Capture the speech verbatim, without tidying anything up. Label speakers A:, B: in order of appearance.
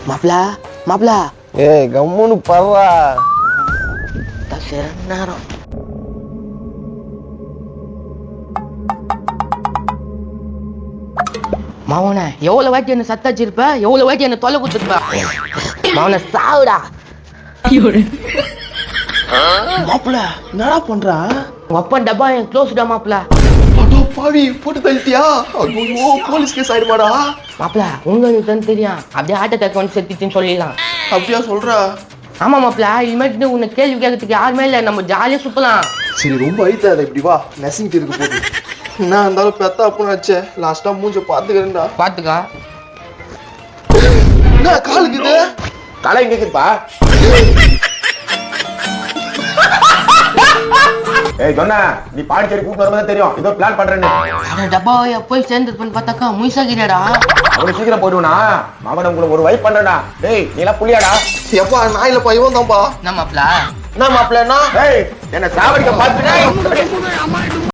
A: மாப்ள மாப்ள
B: ஏய் கம்முன்னு பர்றா.
A: சரி நேரம் மாவன எவ்வளவு வாட்டி என்ன சத்தாச்சிருப்ப, எவ்வளவு வாட்டி என்ன தொலை குத்துருப்ப. மாவன சாவுடா.
B: மாப்பிள என்னடா பண்றா?
A: உங்க அப்பா டப்பா என் க்ளோஸ்டா மாப்ள.
B: அடோ பாவி போட்டு தள்ளிட்டியா? ஐயோ போலீஸ் கேஸ் ஆயிடுமாடா.
A: மாப்ள உங்களுக்கு தான் தெரியும், அப்படியே ஹார்ட் அட்டாக் வந்து செத்துச்சுன்னு சொல்லிடலாம்.
B: அப்படியா சொல்றா?
A: ஆமா மாப்ள, இனிமேட்டு உன்னை கேள்வி கேட்கறதுக்கு யாருமே இல்லை, நம்ம ஜாலியா சுத்தலாம்.
B: சரி ரொம்ப ஐத்தாத இப்படி வா, நெசிங்கிட்டு இருக்கு போது. என்ன இருந்தாலும் பெத்தா அப்படின்னு வச்சே லாஸ்டா மூஞ்ச பாத்துக்கிறேன்டா.
A: பாத்துக்கா.
B: என்ன காலுக்கு இது?
C: தலை எங்க இருக்குப்பா? ஏய் சொன்ன நீ பாண்டிச்சேரி கூட்டு வரும்போது தெரியும் ஏதோ பிளான் பண்றேன்னு.
A: டப்பாவை போய் சேர்ந்துருப்பேன்னு பார்த்தாக்கா முயசாகிறடா.
C: அவனை சீக்கிரம் போயிடுவா மகன் உங்களுக்கு ஒரு வைப் பண்றடா. டேய் நீ எல்லாம் புள்ளியாடா?
B: எப்பா நான் இல்லப்பா இவன் தான்ப்பா.
A: என்ன மாப்ள?
B: என்ன மாப்பிள்ளனா?
C: டேய் என்ன சாவடிக்க பாத்துட்டே